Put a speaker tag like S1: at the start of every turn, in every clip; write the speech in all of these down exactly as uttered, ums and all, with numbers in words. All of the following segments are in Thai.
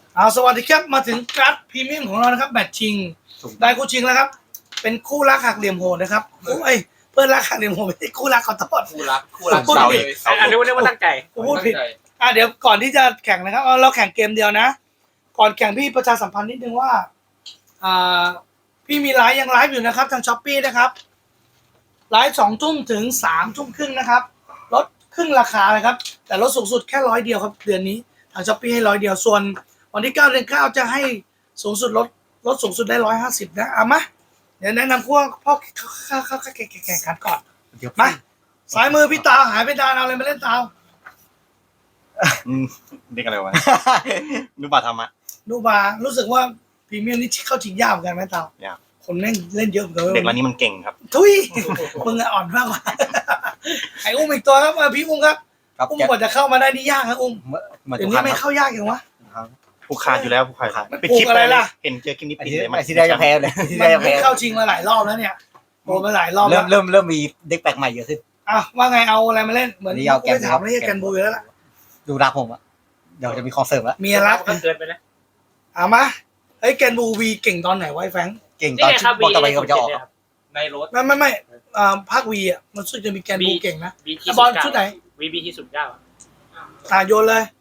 S1: เอาสวัสดีครับมาถึงการ์ดพรีเมียมของเรานะครับแบตชิงได้คู่ชิงแล้วครับเป็นคู่รักหักเหลี่ยมโหดนะครับเอ้ยเพื่อนรักหักเหลี่ยมโหดไม่ใช่คู่รักขอโทษ
S2: คู่รักคู่รัก
S1: พูด
S2: เสา
S1: ผิด
S2: เลยเสา
S3: อันนี้เรียกว่าตั้งใจ
S1: กูพูดผิดอ่ะเดี๋ยวก่อนที่จะแข่งนะครับเอาเราแข่งเกมเดียวนะ ก่อนแข่งพี่ประชาสัมพันธ์นิดนึงว่าอ่าพี่มีไลฟ์ยังไลฟ์อยู่นะครับทางช้อปปี้นะครับไลฟ์สองทุ่มถึงสามทุ่มครึ่งนะครับลดครึ่งราคาเลยครับแต่ลดสูงสุดแค่ร้อยเดียวครับเดือนนี้ทางช้อปปี้ให้ร้อยเดียวส่วนวันที่เก้าเดือนเก้าจะให้สูงสุดลดลดสูงสุดได้ร้อยห้าสิบนะเอามาเดี๋ยวแนะนำพวกพ่อเข้าเข้าเข้าแข่งแข่งขันก่อนมาสายมือพี่ตาหายไปดานเอาอะไรมาเล่นตา
S2: อืมเรียกอะไรวะ นุบาธรรมะ
S1: ดูบารู้สึกว่าพรีเมียมนี่เข้าชิงยากเหมือนกันไหมเตาย
S2: าก
S1: คนแม่งเล่นเยอะเหมือนกัน
S2: เด็กวันนี้มันเก่งครับ
S1: ทุยมึงอะอ่อนมากกว่าไอ้อุ้มอีกตัวครับมาพี่อุ้มครับ
S4: ครับ
S1: อุ้ม
S4: แจ็ค
S1: กว่าจะเข้ามาได้นี่ยากครับอุ้ม
S4: เหมือน
S1: เดี๋ย
S4: ทุ
S1: ว
S4: กค
S1: นี้
S4: รั้ง
S1: ไม่
S4: ครับ
S1: เข้ายากอย่างวะ
S2: ผู้ขาดอยู่แล้วผู้ขาด
S4: ครับ
S2: ไปคลิป
S1: ปลูกอะไรล่ะ
S2: เห็นเจอคลิปนี้
S4: ไอ้
S2: ปิด
S4: ที่
S2: เลย
S4: ไอ้ที่ได้จะแพ้เลยที่
S1: มั
S4: ได้จะ
S1: น
S4: แพ้
S1: เข้าชิงมาหลายรอบแล้วเนี่ยโดนมาหลายรอบ
S4: เริ่
S1: แล้
S4: ม
S1: ว
S4: เริ่มเริ่มมีเด็กแปลกใหม่เยอะขึ้น
S1: อ่ะว่าไงเอาอะไรมาเล่นเหมือน
S4: อันนี้เอาแกน
S1: ไม่ถามไม่ใช่แกนบูอยู่แล้วล่ะ
S4: ดูรักผมอะเดี๋ยวจะมีคอนเสิร์ตแล้ว
S1: เมียรัก
S3: ก็เกินไปนะ
S1: เอามาเฮ้ยแกนบูวีเก่งตอนไหนไวะไอ้แฟรงค์
S4: เก่ง
S3: นี่
S4: ตอน
S3: ไงครับ
S4: บอลตะวันก็จะออก
S3: วี
S4: ครับ
S3: ในรถ
S1: ไม่ไม่ไม่อ่าภาควีอ่ะมันสุดจะมีแกนบูเก่งนะ
S3: บีที่
S1: บอลชุดไหน
S3: วีบีที่สุดเก้า
S1: อ่าโยนเลย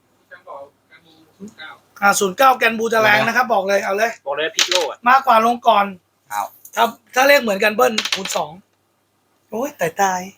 S1: อ่าศูนย์เก้าแกนบูจะแรงนะครับ บอกเลยเอาเลย
S3: บอกเลยพิกโลอ่ะ
S1: มากกว่าลงก่อน
S4: เอา
S1: ถ้าถ้าเลขเหมือนกันเบิ้ลคูณสองโอ้ยตายตาย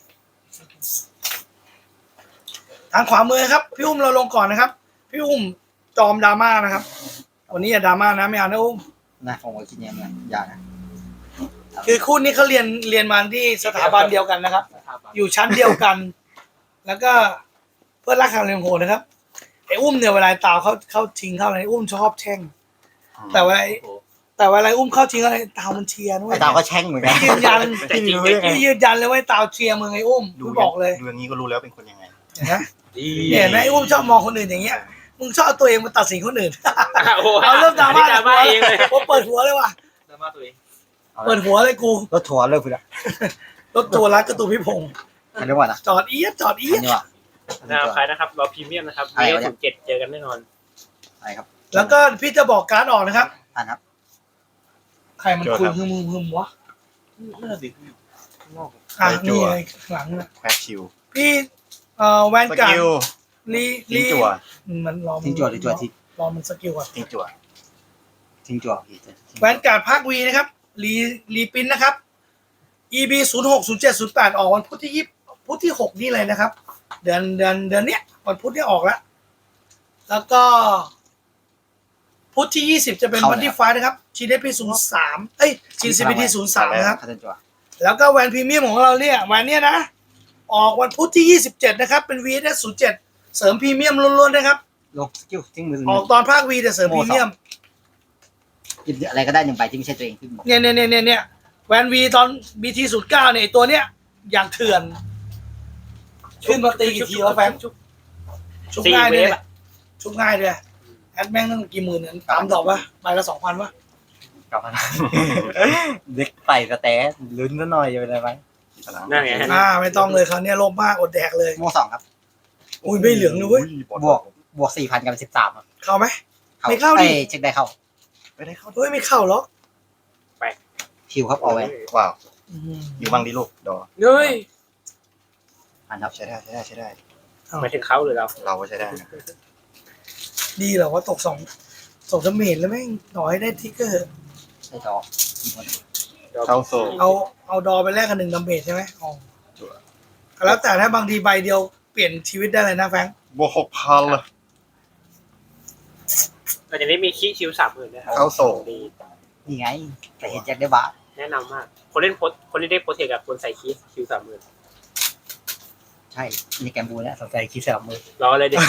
S1: ทางขวามือครับพี่อุ้มเราลงก่อนนะครับพี่อุ้มจอมดราม่านะครับวันนี้อย่าดราม่านะไม่เอานะอุ้ม
S4: นะผมก็คิดอย่างนี้อย่านะ
S1: คือคู่นี้เขาเรียนเรียนมาที่สถาบันเดียวกันนะครับ อยู่ชั้นเดียวกัน แล้วก็เพื่อนรักคางเรียนโหดนะครับไอ้อุ้มเนี่ยเวลาตาวเขาเขาชิงเข้าอะไรอุ้มชอบแช่ง แต่เวลาแต่เวลาอุ้มเข้าชิงอะไรตาวมันเชียร์ด้วย
S4: ไอ้ดาวก็แช่งเหมือนกัน
S1: ยืนยัน
S3: แต่จริง
S4: ไม่รู้ได้ไง
S1: พี่ยืนยันเลยว่าตาวเชียร์มึงไอ้อุ้ม
S2: ดู
S1: กูบอกเลย
S2: ดูอย่างนี้ก็รู้แล้วเป็นคนยังไง
S1: เห็นไหม
S3: ดี
S1: เนี่ยนะไอ้อุ้มชอบมองคนอื่นอย่างเงี้ยมึงชอบเอาตัวเองมาตัดสินคนอื่น
S3: โอ้
S1: เอาเริ่มดราม่า
S3: ดราม่าเองเลย
S1: โอ้เปิดหัวเลยว่ะ
S3: ดราม่าตัวเอง
S1: เปิดหัวเลยกู
S4: รถทัวร์เลิกไปแล้ว
S1: รถทัวร์รักกระตูพี่พงษ์
S4: อันนี้ว่านะ
S1: จอดเอียดจอดเอีย
S4: อั
S1: ด
S4: นนี้ว่า
S3: นะครับใครนะครับรอพรีเมียมนะครับ
S4: อะไร
S3: มี
S4: วะเนี่ย
S3: ศูนย์เจ็ดเจอกันแน่นอน
S4: อะไรครับ
S1: แล้วก็พี่จะบอกการ์ดออกนะครับ
S4: อ่านครับ
S1: ใครมันคุยฮึมฮึมวะ
S3: น่าสิ
S1: อ่ะนี่ไงข้างหลังน่ะ
S2: แควกชิว
S1: พี่เอ่อแวน
S2: ส
S1: การ์
S2: กิล
S1: ดลี
S2: ทิ้งจั่ว
S1: มันรอมัน
S4: ทิ้งจั่วหรือจั่วทิ้ง
S1: รอมันสกิลก่อน
S2: ทิ้งจั่ว
S4: ทิ้งจั่วพี่
S1: แวนการ์ดภาควีนะครับรีรีปินนะครับ อี บี ศูนย์หก ศูนย์เจ็ด ศูนย์แปดออกวันพุธที่ยี่พุธที่หกนี่เลยนะครับ เดือนเดือนเดือนเนี้ยวันพุธที่ออกแล้วแล้วก็ พุธที่ยี่สิบจะเป็นวันที่ไฟนะครับชีเดพีศูนย์สามเอ้ยชีซีพีทีศูนย์สามนะครับ
S4: คัตจั่ว
S1: แล้วก็แวนพรีเมียมของเราเนี่ยแวนเนี่ยนะ ออกวันพุธที่ยี่สิบเจ็ดนะครับ เป็น วี เอส ศูนย์เจ็ดเสริมพรีเมียมล้วนๆนะครับ
S4: ลงสกิลทิ้งมือ
S1: ออกตอนภาควีแต่เสริมพรีเมียม
S4: กินอะไรก็ได้หนึ่งใบที่ไม่ใช่ตัวเองขึ้นบอก
S1: เนี่ยเนี่ยเนี่ยเนี่ยแวนวีตอนบีทีศูนย์เก้าเนี่ยไอ้ตัวเนี้ยอย่างเถื่อน ขึ้นมาตีกี่ทีวะแฟนชุบง่ายด้วยเนี่ยชุบง่ายด้วยแอดแม่งตั้งกี่หมื่นเนี่ยตามดอกวะใบละสองพันวะ
S2: กลับมา
S4: เด็กใส่สแตนลุ้นซะหน่อยจะเป็นอะไรไหม
S2: พลัง
S3: นั่นไง
S1: อ่าไม่ต้องเลยคราวเนี้ยโลภมากอดแดกเลย
S4: โม่สองครับ
S1: อุ้ยไม่เหลืองเลยเว้ย
S4: บวกบวกสี่พันกับสิบสามครับ
S1: เข้าไหม ไม่เข้าดิ
S4: อ้ยเช็คได้เข้า
S2: ไม่ได้เข้า
S1: เฮ้ยไม่เข้าหรอก
S4: คิวครับเอาไว้
S2: ว้าว
S1: อืม
S2: อยู่บ้างดิลูกดอ
S3: เฮ้ย
S4: อ่านครับ
S2: ใช้ได้ใช้ได้ใช้ได้
S3: หมายถึงเขาหรือเรา
S2: เราก็ใช้ได้นะ
S1: ดีเหรอว่าตกสองสองดาเมจแล้วแม่งต่อให้ได้ทิกเกอร์
S4: ได้ดอกอีกคน
S2: เข้าโซ่
S1: เอาเอาดอไปแลกกันหนึ่งดาเมจใช่ไหมอ๋อ
S2: จั่ว
S1: แล้วแต่ถ้าบางทีใบเดียวเปลี่ยนชีวิตได้เลยนะแฟรงค์
S2: บวกหกพันเลย
S3: เราจะได้มีคีชิวสามหมื่นนะครับ
S2: เข้าโซ่
S3: ดี
S4: นี่ไงแต่เห็นแจ็คได้บาส
S3: แนะนำมาก คนเล่นโพสคนที่ได้โปรเทคกับคนใส่คีชิวสามหมื่น
S4: ใช่ในแกมบูเนี่ยสนใจคิดสลับมือ
S3: รอเลยเด็ก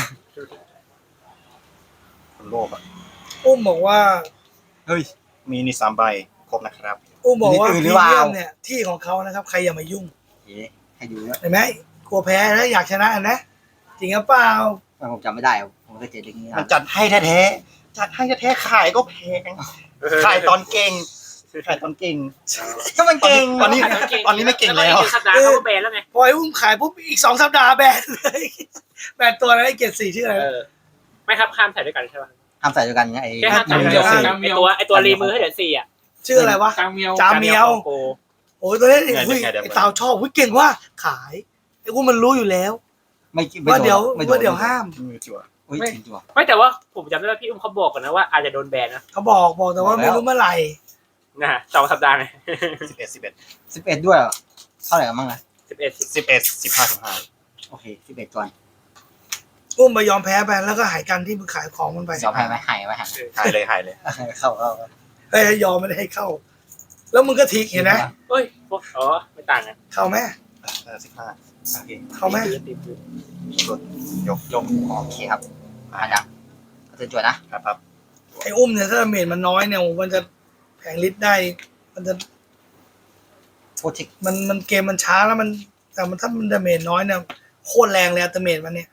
S2: คนโลภอ่ะ
S1: อุ้มบอกว่า
S4: เฮ้ย
S2: มีนี่สามใบครบนะครับ
S1: อุ้มบอกว่า
S4: ห
S1: พ
S4: รือ
S1: รี
S4: หรือเปล่า
S1: เมียมเนี่ยที่ของเขานะครับใครอย่ามายุ่ง
S4: เอ๊ะให้ดูด้วย
S1: เห็นไหมกลัวแพ้แล้วอยากชนะนะจริงหรือเปล่า
S4: ผมจำไม่ได้อะผมก็เจอเรื่องนี้
S2: มันจัดให้แท้ๆจัดให้แท้ๆขายก็แพงขายตอนเก่งขายตอนเก่งถ้ามันเก่งตอนนี้ตอนนี้ไม่เก่งแล้ว
S3: อีกสัปดาห์เขาก็แบนแล้วไง
S1: พอไอ้อุ้มขายปุ๊บอีกสองสัปดาห์แบนเลยแบนตัวอะไรเกียรติสี่ชื่ออะไร
S3: เออ ไม่ครับข้ามถ่ายด้วยกันใช่ป่ะ
S4: ห้ามใส่ด้วยกันไงไอ้
S3: แค่ห้ามจับ
S1: อ่า
S3: เดียวไอตัวไอตัวรีมือให้เหลือสี่อ่ะ
S1: ชื่ออะไรวะ
S5: กลางเมียว
S1: จามเมียว
S3: โก
S1: โอ้ยตัวนี้ไอ้ไอ้เตาชอบเก่งว่าขายไอ้กูมันรู้อยู่แล้ว
S4: ไม่ไม่
S1: ว่า
S4: โน
S1: เดี๋ยว
S4: ไม่โ
S1: ว่าเดี๋ยวห้าม
S2: มือจั่ว
S4: อุ้ยจริงจัว
S3: ไม่แต่ว่าผมจำได้ว่าพี่อุ้มเขาบอกกันนะว่าอาจจะโดนแบนนะ
S1: เขาบอกบอกแต่ว่าไม่รู้เมื่อไหร่
S3: นะฮะสองสัปดาห์ไง
S2: สิบเอ็ดสิบเอ็ด
S4: สิบเอ็ดด้วยเหรอเท่าไหร่กันบ้างนะ
S3: สิบเอ็ดสิบ
S2: สิบเอ็ดสิบห้าสิบห้า
S4: โอเคสิบเอ็ดก่อน
S1: อุ้มไปยอมแพ้ไปแล้วก็หายกันที่มึงขายของมันไป
S4: ยอมแพ้ไหมหายไหมหาย
S2: หายเลยหายเลย
S4: เข้าเข้า
S1: เฮ้ยยอมไม่ได้ให้เข้า แล้วมึงก็ทิ้งเห็นไหม
S3: เฮ้ยพวกอ๋อไม่ต่างกัน
S1: เข้าไหม
S2: เออสิบห้าโอเค
S1: เข้าไหม
S3: ตีปืน
S2: กดยกยก
S4: โอเคครับมาดังเตือนจวดนะครับ
S2: ครับ
S1: ไอ้อุ้มเนี่ยถ้าเมจมันน้อยเนี่ยมันจะแผงลิตรได้ มันจะ
S4: โคติก
S1: มันมันเกมมันช้าแล้วมันแต่มันถ้ามันดาเมจน้อยเนี่ยโคตรแรงเลยอัตเมจมันเนี่ย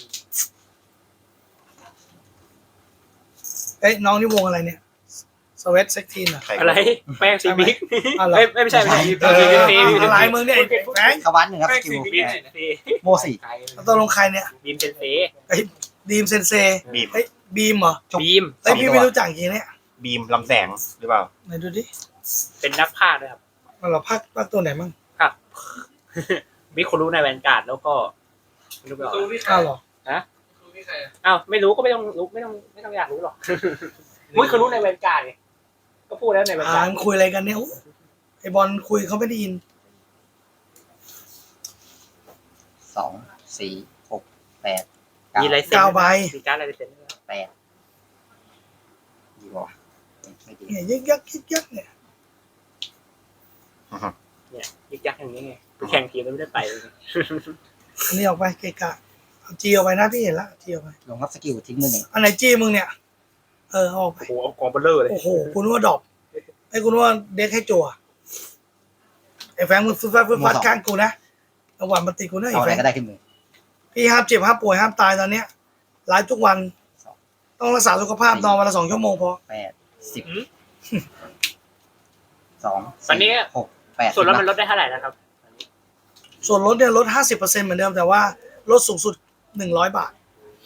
S1: เอ้ยน้องนี่วงอะไรเนี่ยสวีทเซ็กทีนเหรอ
S2: ใคร
S3: อะไรแป้งซีบิ๊ก
S1: อ๋อเหรอ
S3: ไม่ไม่ใช่ไม่ใช่
S1: เออ
S3: ซีบิ๊กซี
S1: อะไรมึงเนี่ยไอ้แฟง
S4: เข้าบ้านหนึ่งครับสกิล
S3: บิ๊กซี
S4: โมสี่
S1: ตกลงใครเนี่ย
S3: บีมเซนเซ
S1: ไอ้ดีมเซนเซ
S2: บีม
S1: เฮ้ยบีมเหรอ
S3: บีม
S1: เฮ้ยพี่ไม่รู้จักจริงเนี่ย
S2: บีมลำแสงหรือเปล่า
S1: ไหนดูดิ
S3: เป็นนักพากย์ด้วยครับ
S1: มันเหราภาคภาคตัวไหนมั่ง
S3: ครับมิคุรุในแวนการ์ดแล้วก็ไม่รู้ไป
S5: ครูพี่ใคร
S1: อ้าวเหรอ
S5: ครูพี่ใครอะ
S3: อ้าวไม่รู้ก็ไม่ต้องรู้ไม่ต้องไม่ต้องอยากรู้หรอกมิคุรุในแวนการ์ดไงก็พูดแล้วในแวน
S1: อ่า
S3: การ์ด
S1: มึงคุยอะไรกันเนี่ยโอ้ไอบอลคุยเขาไม่ได้ยิน
S4: สองสี่หกแปด
S3: มีลายเซ็น
S1: เก้าใบ
S3: มีการ์ดลายเซ็นด้วย
S4: แปดดีกว่าไม่ดี
S1: เนี่ยยึกยักยึกยักเนี่ย
S3: เนี่ยยึกยักอย่างนี้ไงแข่งทีมแล้วไม่ได้ไปเลย
S1: อันนี้ออกไปเกะกะเอาจีออกไปนะพี่เห็นละจีออกไป
S4: ลงรับสกิลทิ้งมือหนึ่ง
S1: อันไหนจีมึงเนี่ยเออเอาออกไป
S3: โอ้โหเอากองเบลเลอร์เลย
S1: โอ้โหคุณว่าดรอปไอ้คุณว่าเด็กให้จั่วไอ้แฟงมึงฟึดฟัดฟึดฟัดข้างกูนะระหว่างมันติกูนะไอ้
S4: เอาอะ
S1: แฟ
S4: ไรง ก็ได้ขึ้นมือ
S1: พี่ห้ามเจ็บห้ามป่วยห้ามตายตอนเนี้ยไลฟ์ทุกวัน ต้องรักษาสุขภาพนอนวันละสองชั่วโมงพอ
S4: แปดสิบสอง
S3: ตอนนี้
S4: หกแปด
S3: ส่วนลดมันลดได้เท่าไหร่นะครับ
S1: ส่วนลดเนี่ยลดห้าสิบเปอร์เซ็นต์เหมือนเดิมแต่ว่าลดสูงสุดหนึ่งร้อยบาท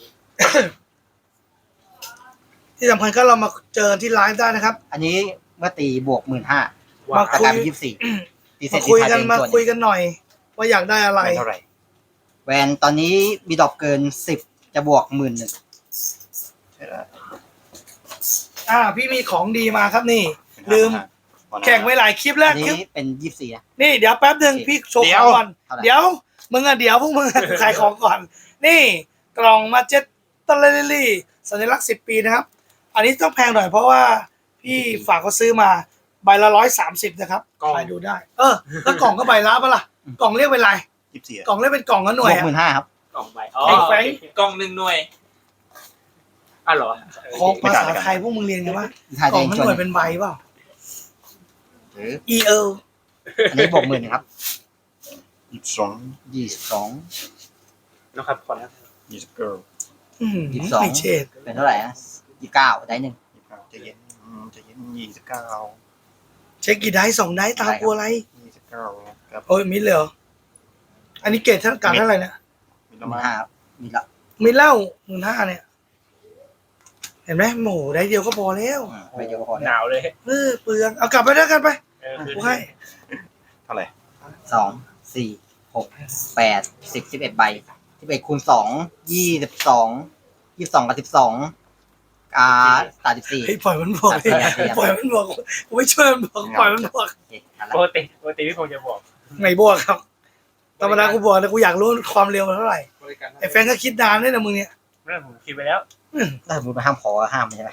S1: ที่สำคัญก็เรามาเจอที่ไลฟ์ได้นะครับ
S4: อันนี้เมื่อตีบวกหมื่นห้า
S1: มา
S4: แต่
S1: คุ
S4: กลาย ยเป็นยี่สิบสี่ตีเสร็
S1: มา
S4: จ
S1: คุย
S4: ตี
S1: กัน
S4: ไท
S1: มา
S4: ส่วน
S1: คุยกันหน่อย ว่าอยากได้อะไร
S2: ไม่เท่าไหร่
S4: แวนตอนนี้มีดรอปเกินสิบจะบวกหมื่นหนึ่ง
S2: ใช่แล้ว
S1: อ่า พี่มีของดีมาครับนี่ ลืม แข่งไว้หลายคลิปแล้
S4: อั
S1: วน คลิป
S4: นี้เป็นยี่สิบสี่นะ
S1: นี่เดี๋ยวแป๊บหนึ่งพี่โชว์ของก่อน
S4: เท่าไหร่
S1: เดี๋ยวมึงอะเดี๋ยวพวกมึงอะ ขายของก่อน นี่กล่องมาเจ็ตตะเลลี่สัญลักษณ์สิบปีนะครับ อันนี้ต้องแพงหน่อยเพราะว่าพี่ฝากเขาซื้อมาใบละร้อยสามสิบนะครับไปดูได้ เออแล้วกล่องก็ใบละปะล่ะกล่องเรียกเป็นไร
S2: ยี่สิบสี่
S1: กล่องเรียกเป็นกล่องละห
S4: บ
S1: น่ว
S4: วย ก
S1: อะ
S4: หมื่นห้าครับ
S3: กล่องใบอ๋อ
S1: ไอ้แฟง
S5: กล่องหนึ่งหน่วย
S3: อ้าวเหรอ
S1: ของภาษาไทยพวกมึงเรียนกันว่า
S4: ถ่าย
S1: กล่
S4: เอ
S1: อง
S4: ง
S1: มัน
S4: จ
S1: ห
S4: น
S1: น่วยเป็นใบเปล่า
S4: หรือ
S1: E L
S4: อันนี้บวกหมื่นครับ
S2: ยี่สิบสอง
S4: ยี่สิบสอง
S3: นะครับขอนะ
S2: ยี่สิบเก้า
S1: อืม
S4: ยี่สิบสอง
S1: ไม่เฉด
S4: เป็นเท่าไหร่นะยี่สิบเก้าได้หนึ่ง
S2: ยี่สิบเก้าจะเย็นอืมจะเย็นยี่สิบเก้า
S1: เช็คกี่ได้สองได้ตามกูอะไร
S2: ยี่สิบเก้าครับ
S1: โอ้ยมิดเลยเหรออันนี้เกรดเท่ากันเท่าไหร่เนี่ย
S2: มี
S4: ห
S2: ประ
S4: มื่
S2: มาน ณ
S4: ห้าครับมีละ
S1: มิดเล่าหมื่นห้าเนี่ย เห็นไหมโหมูได้เดียวก็พอแล้ว
S4: อืมไปเดียวก็พอ
S3: ห
S4: แล้ว
S3: นาวเลย
S1: เออเปลืองเอากลับไปด้วยกันไป
S3: เออคือ
S1: กูให้
S2: เท่าไหร่
S4: สองสี่หกแปดสิบสิบเอ็ดใบสิบเอ็ดคูณสองยี่สิบสองยี่สิบสองกับสิบสองอ่าสามสิบสี่
S1: เฮ้ยปล่อยมันบอก
S4: ครับครับ
S1: ปล่อยมันบอกกูไม่ช่วยมันบอกปล่อยมันบอก
S4: โอเคทันละ
S3: ปกติปกติพี่พงษ์จะบอก
S1: ไงบวกครับธรรมดากูบอกแต่กูอยากรู้ความเร็วมันเท่าไหร่
S5: บริการ
S1: ไอ้แฟนก็คิดนานด้วยนะมึงเนี่ย
S3: เรื่องผมคิดไปแล้ว
S4: ถ้าสมมติไปห้ามขอก็ห้ามใช่ไหม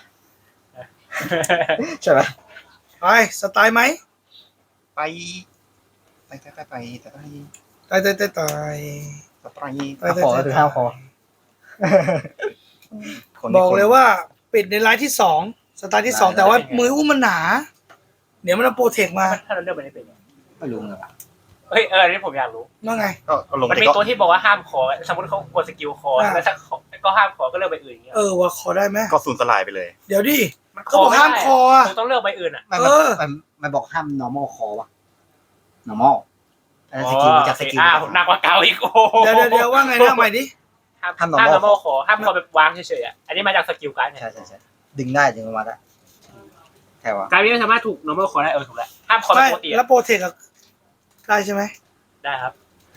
S4: ใช่ไหม
S1: ไปสไตล์ไหม
S2: ไปไปไปไปไปไปไป
S1: ตายตายตายตาย
S2: ไปไป
S1: ตาย
S4: ขอก็คือห้ามขอ
S2: คน
S1: บอกเลยว่าปิดในไลน์ที่สองสไตล์ที่สองแต่ว่ามืออุ้มมันหนา เดี๋ยวมันเอาโปรเทคมา
S3: ถ้าเราเลือกไปได้เป็นไง
S4: ไม่รู้เลยว่ะ
S3: เฮ้ยเอออันนี้ผมอยากรู้
S1: ว่าไง
S2: ก็ก็ลง
S3: มัน
S2: ไป
S3: มี
S2: ก็
S3: ตัวที่บอกว่าห้ามขอ สมมติเขากดสกิลคอ
S1: อ่า
S3: แล้วถ้าขอก็ห้ามขอก็เลือกใบอื่นอย่างเงี้ย
S1: เออว่าขอได้ไหม
S2: ก็สูญสลายไปเลย
S1: เดี๋ยวดิ
S3: มัน
S1: ก็บอกห้ามคออะ
S3: ผมต้องเลือกใบอื่นอ่ะ
S4: ไม่
S1: เออ
S4: มันมันบอกห้าม normal ขอวะ normal อันนั้นสกิลจากสกิล
S3: อ้าวหนักกว่าเก่าอีกโอ้โห
S1: เดี๋ยวเดี๋ยวเดี๋ยวว่าไงนะใหม่ดิ
S3: ห้าม
S4: ห้าม
S3: ห้าม
S4: normal
S3: normal ขอห้ามขอแบบวางเฉยๆอ่ะอันนี้มาจากสกิลการ์ดเนี่ย
S4: ใช่ใช่ใช่ดึงได้ดึงออกมาได้ใช่ปะ
S3: การนี้ไม่สามารถถูก normal call ได้เออถูกแล้วห้ามคอ
S1: ไม่
S3: ปกติ
S1: แล้วโปรเทคอะได้ใช่ไหม
S3: ได้ครับ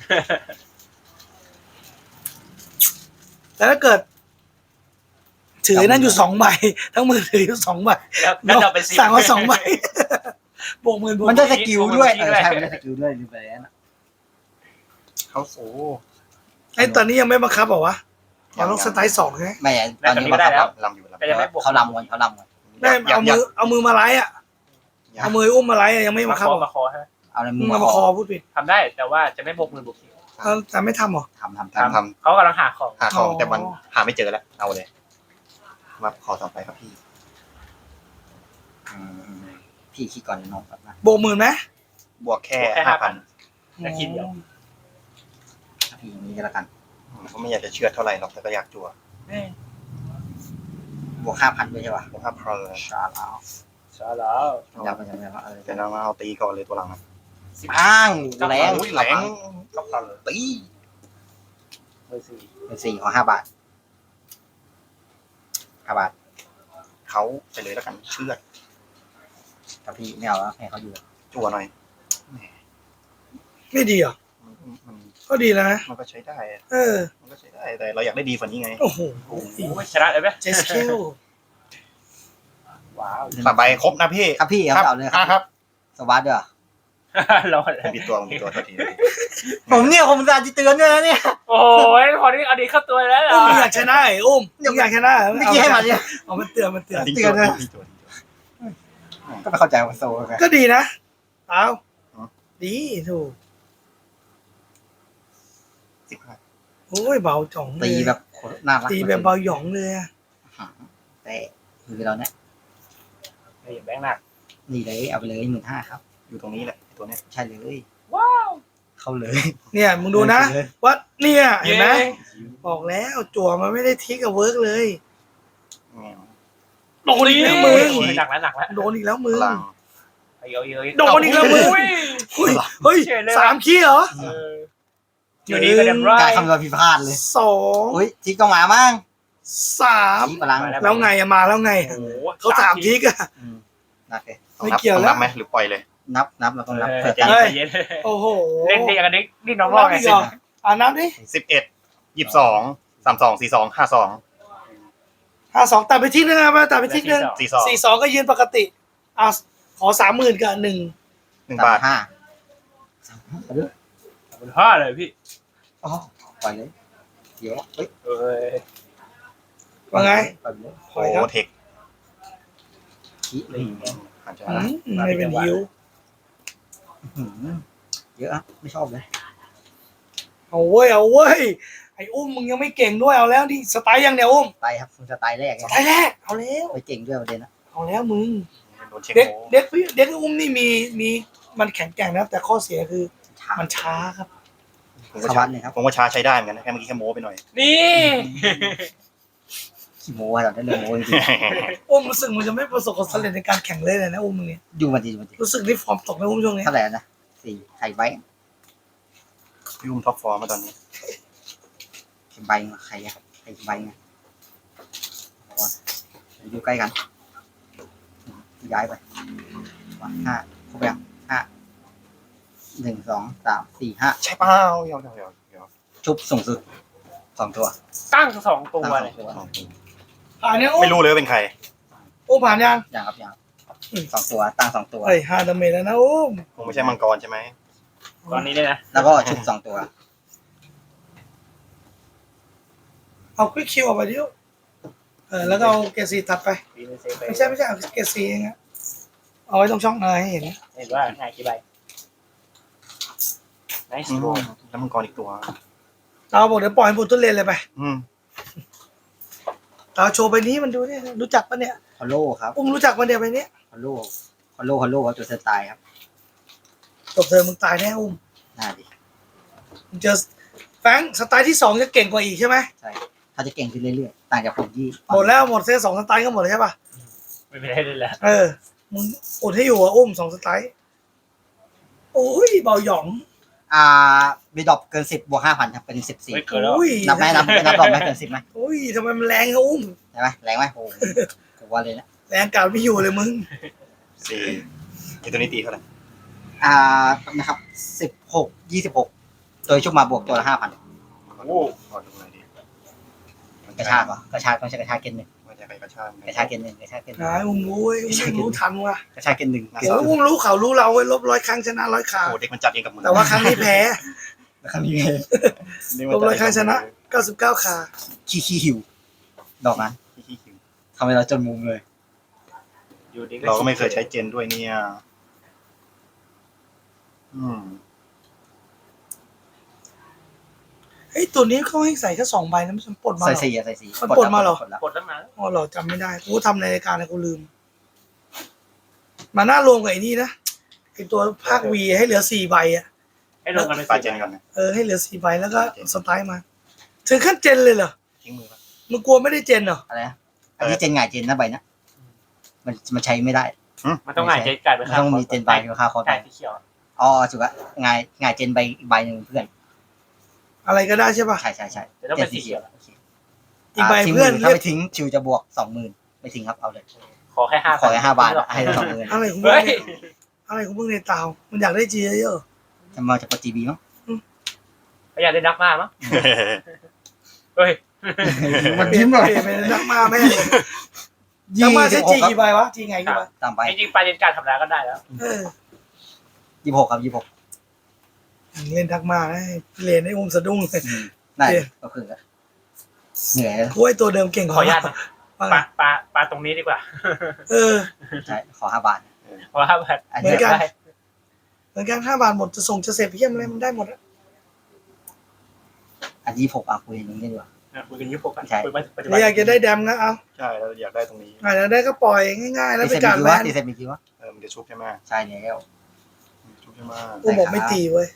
S1: แต่ถ้าเกิด ถือนั่นอยู่สองใบทั้งมือถืออยู่สองใบ
S3: แล้วแล้วจะเป็นสิบ
S1: สั่งมาสองใบ บวกหมื่นบวก
S4: มันได้สกิลด้วย
S3: มัน
S4: เอ
S3: ได้
S4: อ
S3: สกิลด้วย
S4: ใช่มันได้สกิลด้วยลืมไปแล้วนะ
S2: เขาโซ่
S1: ไอ้ตอนนี้ยังไม่บังคับเหรอวะเราต้องสไตล์สองใช่ไหม
S4: ไม่อะตอนนี้
S3: ได้แล้ว
S2: ลำอยู่ลำ
S3: แต่ยังไม่บวก
S4: เขาลำกันเขาลำกัน
S1: ได้เอามือเอามือมาไล่อะเอามืออุ้มมาไล่อะยังไม่
S3: มา
S1: บัง
S3: ค
S1: คับ
S3: อ
S1: เหรอ
S3: มาคอฮะ
S4: เอาในมื
S1: มึ
S4: อง
S1: มา
S4: มา
S1: ค
S4: ค
S1: อ
S4: อ
S1: พูดผิด
S3: ทำได้แต่ว่าจะไม่บวกหมื่นบวกคิว
S1: เอาแต่ไม่ทำเหรอ
S4: ทำทำ
S2: ทำ
S4: ทำ
S2: ท
S3: เขากำลังหาของ
S2: ำหาทอง
S1: อ๋อ
S2: แต่มันหาไม่เจอแล้วเอาเลยมาขอต่อไปครับพี่
S4: อืมพี่คิดก่อนน้องครับนะ
S1: บวกหมื่นไหม
S2: บวกแค่ห้าพัน
S3: แต่คิดเดียว
S4: พี่อย่างนี้ก็แล้วกัน
S2: ผมไม่อยากจะเชื่อเท่าไหร่หรอกแต่ก็อยากจั่ว
S4: บวกห้าพันด้วยใช่ปะ
S2: บวกห้าพันเลย
S4: ชาแล้ว
S3: ใช่แล้ว
S4: ยาวไปยังไงวะเออ
S2: แต่เรามาเอาตีก่อนเลยตัวหลังอะ
S4: อ้างแรง
S2: อุ้ยแหลง
S3: ก็พอเลย
S2: ตี
S3: เบอร์สี่
S4: เป็นสี่ของห้าบาทห้าบาท
S2: เขาไปเลยแล้วกันเชื่อด
S4: กับพี่ไม่เอาแล้วให้เขาอยู่
S2: จั่วหน่อย
S1: ไม่ดีเหรอ
S2: มันมัน
S1: ก็ดีแล้วนะ
S2: มันก็ใช้ได้อะ
S1: เออ
S2: มันก็ใช้ได้แต่เราอยากได้ดีกว่านี้ไง
S1: โอ้โห
S3: โอ้ยชนะเลยไหม
S1: เจสเคล
S3: ว้าว
S2: สามใบครบนะพี่
S4: ครับพี่ครับเอาเลยค
S2: อ่ะ
S4: รับ
S2: ครับ
S4: สวัสดีอ่ะ
S3: รอ
S2: ผมปิดตัวผมปิดตัวทันที
S4: ผมเนี่ยผมจะเตือนด้วยนะเนี่ย
S3: โอ้ยพอนี้เอาดีเข้าตัวแล้วเหร
S1: อุ้
S3: อ
S1: มมึงอยากชนะไอ้อุ้มมึงอยากชนะเหรอ
S4: เมื่อกี้ให้มาเนี่ย
S1: เอามันเตือนมันเตือน
S2: ทิ้ง
S4: เตื
S2: ตั
S4: อ
S2: วน
S4: นะ
S2: ทิ้งตัวทิ้งตัว
S4: ก็ไม่เข้าใจว่าโซ่ไง
S1: ก็ดีนะเอา
S2: อ๋อ
S1: ดีถูก
S2: สิบห้า
S1: โอ้ยเบาจ่องเลย
S4: ตีแบบน่ารัก
S1: ตีแบบเบาหยองเลยอะ
S4: แต่คือเราเนี่ย
S3: นี่แบงค์หนัก
S4: นี่เลยเอาไปเลยหมื่นห้าครับ
S2: อยู่ตรงนี้แหละไอ้ตัวเนี้ย
S4: ใช่เลย
S3: ว้าว
S4: เข้าเลย
S1: เนี่ยมึงดูนะว่าเนี่ยเห็นไหม
S3: ย้
S1: บอกแล้วจั่วมันไม่ได้ทิกกับเวิร์กเลย
S2: แง่
S1: โดนอีกแล้วมึง
S3: โอ้ยหนักแล้วหนักแล้ว
S1: โดนอีกแล้วมึง
S2: พลัง
S3: เยอะเยอะ
S1: โดนอีกแล้วมึง
S3: โอ้ย
S1: เฮ้ยเฮ้ยสามขี้เหรอ
S3: เอออยู่ดีก็เดมไร
S4: การคำนวณผิดพลาดเลย
S1: สอง
S4: อุ้ยทิกต้องมามั่ง
S1: สาม
S4: ทิกพลัง
S1: แล้วไงอะมาแล้วไง
S3: โอ้โห
S1: เขาถามทิกอะ
S4: นับเลย
S2: ต้องนับ
S1: ไม่เกี่ยว
S2: ต้อง
S1: แล้ว
S2: นับไหมหรือปล่อยเลย
S4: นับนับเราต้องนับ
S3: เอ
S4: เผื่
S3: อ
S4: อ
S3: ใจ
S4: กัน
S3: เย็น
S1: โอ้โห
S3: เล่นดีกันนี้นี่น้องร
S1: นั
S3: อบ ดไง
S1: อีกเหรออ่านับดิ
S2: สิบเอ็ดยี่สิบสองสามสองสี่สองห้าสอง
S1: ห้าสองตัดไปที่นึงอะตัดไปที่นึง
S2: สี่สอง
S1: สี่สองก็ยืนปกติอ่ะขอสามหมื่นกับหนึ่ง
S2: หนึ่ง
S4: สา
S2: บาม ท
S4: ห้า
S3: คุณพ่อเลยพี่
S4: อ๋อปล่อยเลยเดี๋ยวเฮ้ย
S3: เอ้ย
S1: ว่าไง
S4: ปล่อยเลย
S1: ปล่อยครับ
S2: โอ้เทค
S4: ขี้เลย
S2: อาจจะ
S1: อืมไม่เป็นฮิว
S4: อื้อหือเยอะอะไม่ชอบเลย
S1: เอาเว้ยเอาเว้ยไอ้อุ้มมึงยังไม่เก่งด้วยเอาแล้วดิสไตล์ยังเนี่ยอุ้ม
S4: ไปครับคุณสไตล์แรก
S1: ส
S4: ไง
S1: ไตล์แรกเอาแล้ว
S4: ไปเก่งด้วยประเด็นนะ
S1: เอาแล้วมึง
S2: โดนเช็ค
S1: เด็ก
S2: โม
S1: เด็กพี่เด็กอุ้มนี่มีมีมันแข็งแกร่งนะครับแต่ข้อเสียคือ
S4: ช้า
S1: มันช้าครับ
S2: ผม
S4: ส
S2: ว่า
S4: วั
S2: ช้า
S4: สดีครับ
S2: ผมว่าช้าใช้ได้เหมือนกันนะแค่เมื่อกี้แค่โม้ไปหน่อย
S3: นี่
S4: ขี้โม้อะเราได้เรื่องโม้จริง
S1: อุ้มรู้สึกมันจะไม่ประสบความสำเร็จในการแข่งเลยเลยนะอุ้มมึงเนี่ย
S4: ๆอยู่มาดีมาดี
S1: รู้สึกที่ฟอร์มตกในอุ้มช่วงนี้
S4: เท่าไหร่นะสี่ไข่ใบ
S2: พี่อุ้มท็อปฟอร์มมาตอนนี้
S4: ไข่ใบมาไข่อะไข่ใบไงอยู่ใกล้กันย้ายไปวันห้าครบยังห้าหนึ่งสองสามสี่ห้า
S2: ใช่เปล่าเดี๋ยวเดี๋ยวเดี๋ยวเดี๋ยว
S4: ชุบสูงสุดสองตัว
S3: ตั้งสองตัว
S4: ตั้งส
S3: เล
S4: อย งตัว
S1: ผ่านเนี่ยอุ้ม
S2: ไม่รู้เลยว่าเป็นใคร
S1: อุ้มผ่านยัง
S4: อย่างครับอย่างครับสองตัวตั้งสองตัว
S1: เฮ้ยห้าดาเมจแล้วนะอุ้ม
S2: คงไม่ใช่มังกรใช่ไหม
S3: ตอนนี้เลยนะ
S4: แล้วก็ชุบสองตัว
S1: เอาควิกคิวออกไปดิเออแล้วก็เอาเกรดซีตัดไป
S3: ปีนเซฟไป
S1: ไม่ใช่ไม่ใช่เอาเกรดซีเองอะเอาไว้ตรงช่องเออให้เห็น
S3: เห็นว่าง่ายกี่ใบไน
S2: อื
S3: ส์
S2: ม
S3: โก
S2: แล้วมังกรอีกตัว
S1: เราบอกเดี๋ยวปล่อยให้บุตรทุเรียนเลยไป
S2: อืม
S1: เราโชว์ไปนี้มันดูเนี่ยรู้จักปะเนี่ย
S4: ฮอลโลครับ
S1: อุ้มรู้จักปะเนี่ยไปเนี้ย
S4: ฮอลโลฮอลโลฮอลโลครับตัวสไตล์ครับ
S1: จบเธอมึงตายแน่อุ้ม
S4: น่าดี
S1: มึงเจอแฟรงค์สไตล์ที่สองจะเก่งกว่าอีกใช่ไหม
S4: ใช่เขาจะเก่งขึ้นเรื่อยๆต่างจากผมที่
S1: หมดแล้วหมดเซตสองสไตล์ก็หมดแล้วใช่ปะ
S3: ไม่เป็นไรเลยแหละ
S1: เออมึงอดให้อยู่อ่ะอุ้มสองสไตล์โอ้ยเบาหยอง
S4: อ่าบีดรอปเกินสิบบวกห้าพันครับเป็นสิบสี่
S3: ไม่เกินแล้ว
S1: อุ้ย
S4: นับไหมนับไม่นับดรอปไหมเกินสิบไหม
S1: อุ้ยทำไมมันแรงอะอุ้ม
S4: ใช่ไหมแรงไหมโอ้โหกูว่าเลยนะ
S1: แรงกาดไม่อยู่เลยมึง
S2: สี่ไอตัวนี้ตีเท่าไหร่
S4: อ่านะครับสิบหกยี่สิบหกตัวชุบมาบวกตัวละห้าพัน
S2: โอ้ขอดูหน่อยดิ
S4: กระชากเหรอกระชากต้องใช้กระชากเกณฑ์หนึ่ง
S2: ว่าจะไปกระชาก
S4: กระชากเกณฑ์หนึ่งกระชากเกณฑ์หนึ่ง
S1: นายอุ้มรู้เว้ยอุ้มรู้ทันว่ะ
S4: กระชากเกณฑ์หนึ่ง
S1: โอ้อุ้มรู้เขารู้เราเว้ยลบร้อยครั้งชนะร้อยครั้ง
S2: โอ้เด็กมันจัดเองกับมือ
S1: แต่ว่าครั้งนี้แพ้
S4: นะครับนี่ไง
S1: ลบร้อยครั้งชนะเก้าสิบเก้าขา
S4: ขี้ขี้หิวดอกนั้น
S2: ขี้คิว
S4: ทำให้เราจนมุมเลย
S3: อยู่ดี
S2: เราก็ไม่เคยใช้เจนด้วยเนี่ยอืม
S1: เฮ้ยตัวนี้เขาให้ใส่แค่สองใบนะมันปลดมาเห
S4: ใส่
S1: รอ
S4: สีอะใส่สี
S1: มันปลดมาเหรอ
S4: ปลดแล้ว
S3: กดตั้งนาน
S1: อ๋อเหรอจำไม่ได้กูทำในรายการนะกูลืม มาหน้ารวมกับไอ้นี่นะไอตัวภาควีให้เหลือสี่ใบอ่ะ
S3: ให้ลงกันเป็น
S2: ปา
S3: สี่
S2: เจนกันนะ
S1: เออให้เหลือสี่ใบแล้วก็สไตล์มา ถึงขั้นเจนเลยเหรอ
S2: ทิ้งมือปะ
S1: มึงกลัวไม่ได้เจนเหรอ
S4: อะไรนะอันนี้เจนหงายเจนนะใบนะมันมันใช้ไม่ได้
S3: มันต้องหงายใจกลายเป็น
S4: มันต้องมีเจนใบกับค่าคอร์ส
S3: ใช่
S4: ใบ
S3: สีเขียว
S4: อ๋อถูกละหงายหงายเจนใบอีกใบหนึ่งเพื่อน
S1: อะไรก็ได้ใช่ป่ะ
S4: ใช่ใช่ใช่
S3: แต่ต้องเป็นสีเขียว
S4: โอเค
S1: อีกใบ
S4: ทิ้ง
S1: เพื่อน
S4: ถ้า
S1: เรีย
S4: ไม่
S1: ก
S4: ทิ้งชิวจะบวกสองหมื่นไม่ทิ้งครับเอาเลย
S3: ขอแค่ห้า
S4: ขอแค่ห้าบาทให้สองหมื่น
S1: อะไรของมึง
S3: เฮ้ย
S1: เนี่ยอะไรของมึงในเตามันอยากได้จีเยอะ
S4: จะมาจากปจีบีมั้ง
S3: เขาอยากได้นักมากมั้งเฮ้ย
S4: มัน
S1: เปลี่
S4: ยิ้
S1: ยน
S4: มเลย
S1: เปลี่ยนเป็นนักมาแม่เลยนักมาใช้จีกี่ใบวะจีไงกี่ใบ
S4: ตามไป
S3: จริงๆปลาเจนการทำร้ายก็ได้แล้ว
S1: เออ
S4: ยี่สิบหกครับยี่สิบหก
S1: เล่นทักมาให้เรียนให้อุ้มสะดุ้งเลย
S4: ได้ก็คือเหนื่อย
S1: กูไอตัวเดิมเก่ง
S3: ขออนุญาตนะ
S1: ว่า
S3: ป
S1: ไง
S3: ลาปลาปลาตรงนี้ดีกว่า
S1: เออ
S4: ใช่ขอห้าบาท
S3: เพราะว่าแบบ
S4: อัน
S1: เหมื
S4: นี้
S1: อนกัน
S3: ได้
S1: เหมือนกันห้าบาทหมดจะส่งจะเสร็จเพี้ยมอะไรมันได้หมดอะ
S4: อันยี่สิบหกอ่ะคุยอย่างนี้ดีกว่า
S3: คุยกันยุคปกกัน
S4: ใช่
S3: คุยมาปัจจุ
S1: ห
S3: บั
S1: รือน อยากจะได้แดมก็เอา
S2: ใช่เราอยากได้ตรงนี้
S1: อาจจะได้ก็ปล่อยง่ายๆแล้ว
S4: ตี
S1: ไป
S4: เซ็ต
S1: กา
S4: มี
S1: ร
S4: กี่
S1: แล
S4: วะ
S1: น
S4: ตีเซ็ตมีกี่วะ
S2: เออมันจะชุบใช่ไหม
S4: ใช่แล้ว
S2: ชุบใช่ไหม
S1: กูบอกไม่ตีเว้ย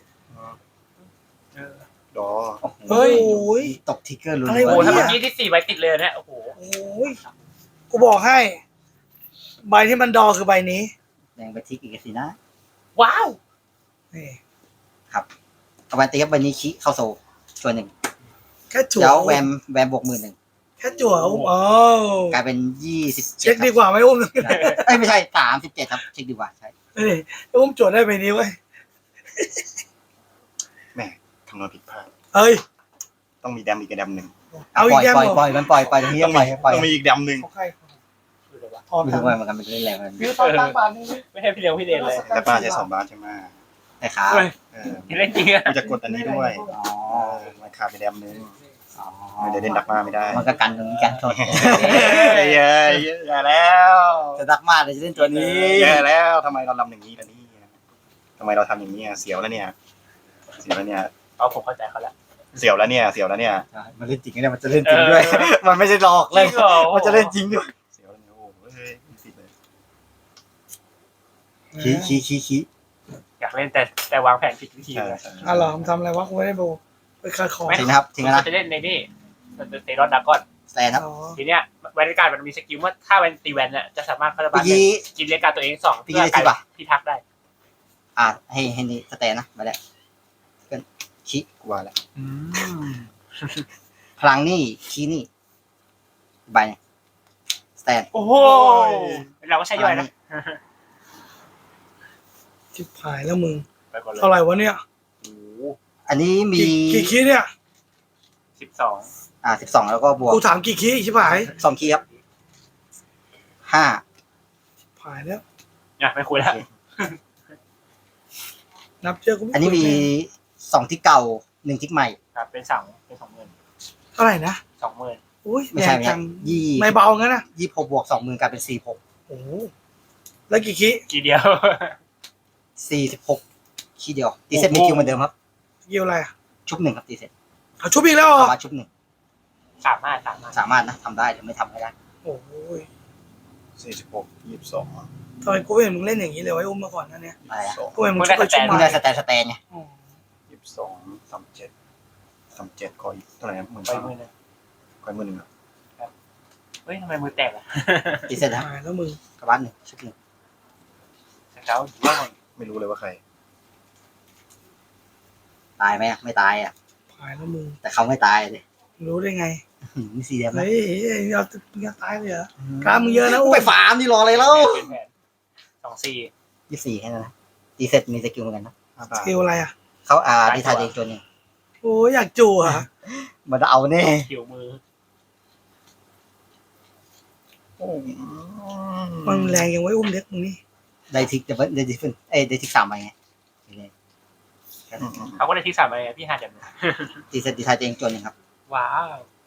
S2: ดอ
S1: เฮ้ย
S4: ตกทิกเกอร์ลุ้น
S1: อะไร
S3: โอ้
S1: วะ
S3: โหถ้าเมื่อกี้ที่สี่ใบติดเลยเนี่ยโอ้โห
S1: โอ้ยกูบอกให้ ใบที่มันดอคือใบนี้
S4: แดงไปทิกอีกสินะ
S3: ว้าว
S1: นี่
S4: เอาไปตีครับใบนี้คิเข้าโซ่ส่วนหนึ่ง
S1: แค่จั่ว
S4: เดี๋ยวแวมแวมบวกหมื่นหนึ่ง
S1: แค่จั่วอุ้มอ๋อก
S4: ลายเป็นยี่สิบ
S1: เช็คดีกว่าไหมอุ้ม
S4: เอ้ยไม่ใช่สามสิบเจ็ดครับเช็คดีกว่าใช่
S1: เฮ้ยอุ้มจั่วได้ใบนี้เว้ย
S2: แม่คำนวณผิดพลาด
S1: เอ้ย
S2: ต้องมีแดมอีกแดมหนึ่ง
S1: เอา
S4: ป
S1: อี
S4: ล่
S1: ก
S4: อย
S1: แก้ม
S4: ปล่อย
S1: เหรอ
S4: ปล่อยมันปล่อยปล่อยตรงนี้
S2: ต้อง
S4: ปล่
S2: มี
S4: อยปล่อย
S2: ต้องมีอีกแดมหนึ่ง
S1: ของใครพอ
S4: ไม่
S1: ท
S4: รู้ว่ามันกันเป็นเรื่องอะไรมัน
S1: ำวิวตอนตั้งบาทนึง
S3: ไม่ให้พี่เลี้ยงพี่เดนเลย
S2: แต่ป้าใช้สองบาทใช่ไหม
S4: แต่ขา
S3: เฮ้ย
S2: เออ
S3: เล่นจริงอะ
S2: กูจะกดอันนี้ด้วย
S4: อ๋อ
S2: เออมันขาดไปแดมหนึ่ง
S4: อ๋อ
S2: ไม่ได้เล่นดักมาไม่ได้
S4: มันก็กันตรงนี้กันโทษ
S2: เย้เย้แย่แล้ว
S4: จะดักมากเลยจะเล่นตัวนี้
S2: แย่แล้วทำไมเราลำอย่างนี้ล่ะนี่ทำไมเราทำอย่างนี้อ่ะเสียวแล้วเนี่ย เสียวแล้วเนี่ย
S3: เอาผมเข้าใจเขาแล้ว
S2: เสียวแล้วเนี่ย เสียวแล้วเนี่ย
S4: มันเล่นจริงเนี่ยมันจะเล่นจริงด้วย มันไม่ใช่หลอกเลย
S3: จริงเหรอ
S4: มันจะเล่นจริงด้วย
S2: เสียวแล้วเนี่ยโอ้โหเฮ้ยติดเลย
S4: ขี้ขี้ขี้ขี้
S3: อยากเล่นแต่แต่วางแผนผิดวิธี
S2: ใช่
S3: เลย
S2: ใช่
S1: อ่ะเหรอผมทำอะไรวะกูไม่ได้ดูไปขายของ
S4: ถึงนะครับถึงแล้วนะ
S3: จะเล่นในนี่เซรอนดากอน
S4: แซนครับ
S1: อ๋อ
S3: ทีเนี้ยแวนการ์ดมันมีสกิลว่าถ้าแวนตีแวนเนี่ยจะสามารถพัฒนา
S4: เมื่อกี้
S3: กินเรียกการตัวเองสอง
S4: เมื่อกี้
S3: เพื่อ
S4: ได้ที่
S3: การ
S4: ปะ
S3: พิทักษ์ได้
S4: อ่าให้ให้นี่สแตนนะมาแล้วเพื่อนขี้
S2: กลัวแล้ว
S4: พลังนี่ขี้นี่ใบสแตน
S3: โอ้โหเราก็ใช้ย่อยนะ
S1: จิบหายแล้วมึง
S3: ไปก่อนเลย
S1: เท่าไหร่วะเนี่ย
S3: โอ้โห
S4: อันนี้มี
S1: กี่กี่คีเนี่ย
S3: สิบสอง
S4: อ่าสิบสองแล้วก็บวก
S1: กูถามกี่คีชิบหาย
S4: สองคีย์ครับห้า
S1: หายแล้ว
S3: เนี่ยไม่คุยแล้ว
S1: นับเจอกูไ
S4: อันนี้มีสองที่เก่าหนึ่งที่ใหม่
S3: ครับเป็นสองเป็นสองหมื่น
S1: เท่าไหร่นะ
S3: สองหมื่น
S1: อุ้ย
S4: ไม่ใช่
S1: แพ
S4: ไม่
S1: ง
S4: ใช่
S1: จัง
S4: ยี่
S1: ไม่เบางั้นนะ
S4: ยี่หกบวกสองหมื่นกลายเป็นสี่หก
S1: โอ้โหแล้วกี่คี
S3: กี่เดียว
S4: สี่สิบหกคีย์เดียวตีเซ็ตมีคิวเหมือนเดิมครับ
S1: เกี่ยวอะไรอ่ะ
S4: ชุบหนึ่งครับตีเซ็ต
S1: เอาชุบอีกแล้วเหรอ
S4: สามารถชุบหนึ่ง
S3: สามารถสามารถ
S4: สามารถนะทำได้หรือไม่ทำก็ได้
S1: โอ้ย
S2: สี่สิบหกยี่สิบสอง
S1: ทำไมกูไม่เห็นมึงเล่นอย่างนี้เลยไว้อุ้มมาก่อนนะเนี่ย
S4: อะไรอะ
S2: สอง
S1: กูเห็นมึงชุบไปชุบ
S4: มึ
S1: มาง
S4: ได้สแตนสแตนไง
S1: อ๋อ
S2: ยี่สิบสองสามเจ็ดสามเจ็ดคอยเท่าไหร่นะหมื่น
S3: ไป
S2: สาม
S3: มือหนึง
S2: คอยหมื่นหนึ่งเหรอ
S3: เฮ้ยทำไมมือแตกอ่ะ
S4: ตีเซ็ตครับ
S1: หายแล้วมึง
S4: กระบาดหนึ่งชุบหนึ่ง
S3: สเกลอยู่ว่าไง
S2: ไม่รู้เลยว่าใคร
S4: ตายไหมอะไม่ตายอ่ะ
S1: หายแล้วมึง
S4: แต่เขาไม่ตายเลย
S1: รู้ได้ไง
S4: หืมมีสี่แดมนะ
S1: เฮ้ยเราจะตายเลยเหรอ กล้ามมึงเยอะนะอุ้
S4: ไปฟาร์มที่รออะไรแล้ว
S3: เป็นแผนสองสี่
S4: ยี่สี่แค่นั้นนะตีเสร็จมีสกิลเหมือนกันนะ
S1: สกิลอะไรอ่ะ
S4: เขาอ่าดีทายเองตัวหนึง
S1: โอ้ยอยากจู่อ่ะ
S4: มันเอาแน่
S3: คิวมือ
S2: โอ้
S1: มันแรงยังไว้อุ้มเด็กมึงนี่
S4: ได้ทิกแต่ว่าได้ทิกเป็นเอ้ยได้ทิกสามใบไง
S3: เขาก็ได้ที่สามไปพี่หาจัง
S4: ตีเสร็จดีทายเองตัวหนึ่งครับ
S3: ว้าว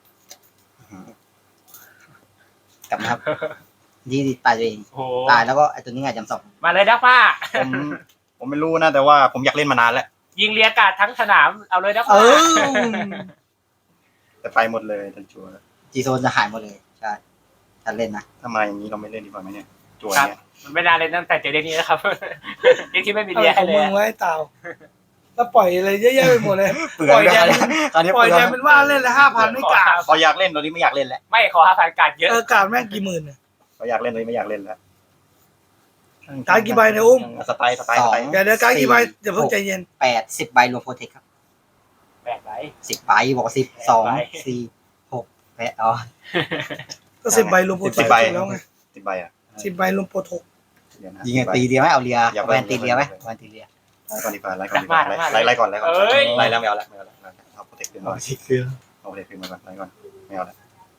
S4: กลับนะครับดีดีตายตัวเอง
S3: โอ้
S4: ตายแล้วก็ไอตัวนี้ไงจำสอง
S3: มาเลยดักป้า
S2: ผมผมไม่รู้นะแต่ว่าผมอยากเล่นมานานแล้ว
S3: ยิงเรียกาดทั้งสนามเอาเลยดัก
S1: เอ
S3: ป้า
S1: อ
S2: แต่ไปหมดเลยทันจัว
S4: จีโซนจะหายหมดเลยใช่ฉันเล่นนะ
S2: ทำไมอย่างนี้เราไม่เล่นดีกว่าไหมเนี่ยจัวเนี่ย
S3: มันไม่นานเลยตั้งแต่เจอเรื่องนี้นะครับเรื่องที่ไม่มี
S1: อะไร
S3: เรีย
S1: ข
S3: ให้
S1: อง
S3: เล
S1: มึ
S3: ย
S1: งไว้เต่าแล้วปล่อยอะไรเยอะแยะไปหมดเลย
S4: เปลื
S1: ปล่อยแด
S4: กัน
S1: ง
S4: คราวนี้
S1: ปล่อย
S4: เป
S1: แด
S4: ลื
S1: งเป็นว่าเล่นละห้าพันไม่กล้า
S2: พออยากเล่นตอนนี้ไม่อยากเล่นแล้ว
S3: ไม่ขอห้าพันการเยอะ
S1: เออกาดแม่งกี่หมื่นเนี่ย
S2: พออยากเล่นตอนนี้ไม่อยากเล่นแล้ว
S1: การดกี่ใบเนี่ยอุ้ม
S2: สไตล์สไตล์สไตล์
S1: เดี๋ยวเดี๋ยวการดกี่ใบเดี๋ยวเพิ่งใจเย็น
S4: แปดสิบใบรวมโปรเทคครับ
S3: แปดใบ
S4: สิบใบบอกสิบสองสี่หกแปดอ๋อ
S1: ก็สิบใบรวมโปรโตแล้วไง
S2: สิบใบอ่ะ
S1: สิบใบรวมโปรโต
S2: เดี๋ยวนะ
S4: ยิงไงตีเรียไหมเอาเรีย
S2: อย่า
S4: แวนตีเรียไหมแวนตีเรีย
S2: ไล่ก่อนดีกว่าไล่ก่อนดีกว่าไล่ไล่ก่อนไล่ก่อนไล่แล้วไม่เอาละไม่เอาละเอาโปรเทคขึ้นมา
S4: สิคือ
S2: เอาโปรเทคขึ้นมาก่อนไล่ก่อนไม่เอาละ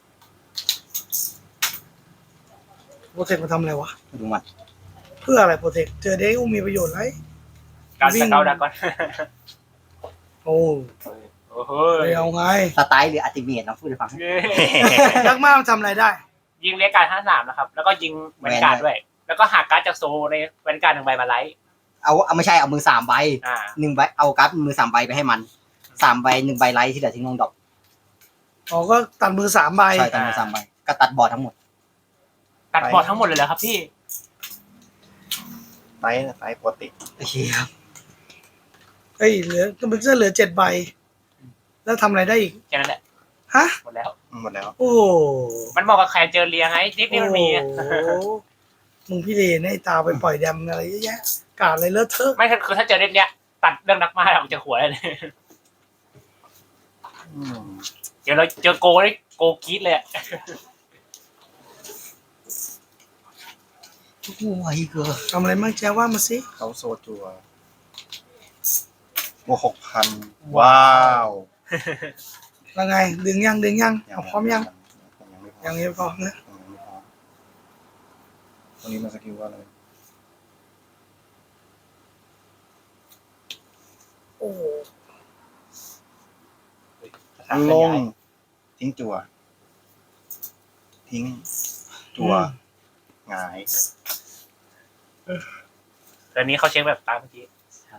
S1: โปรเทคมาทำอะไรวะ
S4: ดูมัน
S1: เพื่ออะไรโปรเทคเจอเด็กอุ้มมีประโยชน์ไร
S3: การสเกาดักก่อน
S1: โอ้
S3: โอ้โห
S1: ไปเอาไง
S4: สไตล์หรืออัติเมตน้องพูดให้ฟัง
S1: ยักษ์มากมันทำอะไรได้
S3: ยิงเรียกการห้าสามนะครับ แล้วก็ยิงแวนการ์ดด้วย แล้วก็หักการ์ดจากโซในแวนการ์ดหนึ่งใบมาไลท์
S4: เอาเอาไม่ใช่เอามือสามใบ
S3: อ่า
S4: หนึ่งใบเอาการ์ดมือสามใบไปให้มันสามใบหนึ่งใบไลท์ที่เหลือทิ้งลงดอก
S1: อ๋อก็ตัดมือสามใบ
S4: ใช่ตัดมือสามใบก็ตัดบอร์ดทั้งหมด
S3: ตัดบอร์ดทั้งหมดเลยเหรอครับพี่
S2: ไล่ไล่ปกติ
S4: โอเคครับ
S1: เฮ้ยเหลือมันจะเหลือเจ็ดใบ แล้วทำอะไรได้อีก
S3: แค่นั้นแหละ
S1: ฮะ
S3: หมดแล้ว
S2: หมดแล้ว
S1: โอ้โห
S3: มันบอกกับใครเจอเรียไงนิกนี่มันมี
S1: โอ้โหมึงพี่เลนให้ตาไปปล่อยแดมอะไรเยอะแยะ กาดอะไรเลอะเทอะ
S3: ไม่คือถ้าเจอเรื่องเนี้ย ตัดเรื่องนักมาออกจากหัวเลย
S2: อืม
S3: เดี๋ยวเราเจอโกได้โกกีดเลย
S4: โอ้ยเกิน
S1: ทำอะไรบ้างแจ้ว่ามาสิ
S2: เขาโซจัวบวกหกพันว้าว
S1: แล้วไง ดึงยังดึงยังเอาพร้อมยัง
S2: ผมยังไม่พร้อ
S1: ยั
S2: ม
S1: งไม่พร้อมนะ
S2: ผมยังไม่พร้อมตรงนี้มันสกิลว่าอะไร
S1: โอ้โห
S2: ลงทิ้งจัว ทิ้ง จัวหงาย
S3: ตอนนี้เขาเช็คแบบตามเมื่อกี้